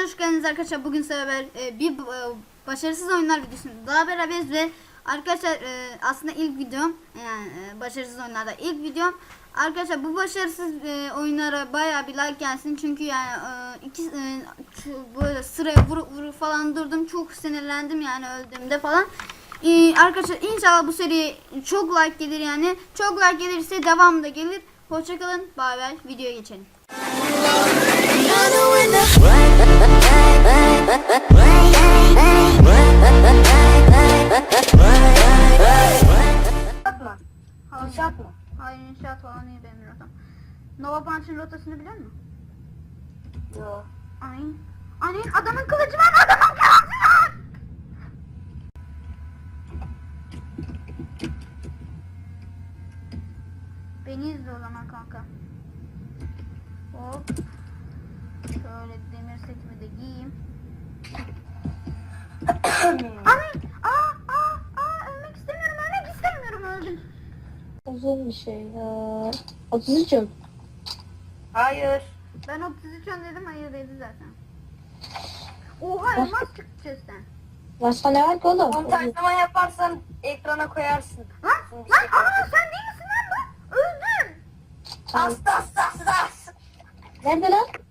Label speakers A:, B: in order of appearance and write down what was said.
A: hoş geldiniz arkadaşlar. Bugün size beraber başarısız oyunlar videosunu daha beraberiz ve arkadaşlar aslında ilk videom, yani başarısız oyunlarda ilk videom. Arkadaşlar bu başarısız oyunlara bayağı bir like gelsin çünkü yani böyle sıraya vuru falan durdum, çok sinirlendim yani öldüğümde falan. Arkadaşlar inşallah bu seriye çok like gelir, yani çok like gelirse devamı da gelir. Hoşçakalın, bay bay, videoya geçelim.
B: Atma. İnşaat mı?
A: Hayır, inşaat falan değil benim rotam. Nova Punch'ın rotasını biliyor musun?
B: Yok.
A: Aynen adamın kılıcı var, adamın kılıcı var. Beni izle o zaman kanka. Hop. Şöyle demir setimi de giyeyim. Ölmek istemiyorum, öldüm.
B: Uzun bir şey ya. 33'üm. Hayır.
A: Ben 33 dedim, hayır dedi zaten. Oha, elmas çıktı chest'ten.
B: Başka ne var ki oğlum?
C: Montajlama yaparsan ekrana koyarsın.
A: Lan sen değil misin lan bu? Öldüm.
C: Hasta.
B: Nerede lan?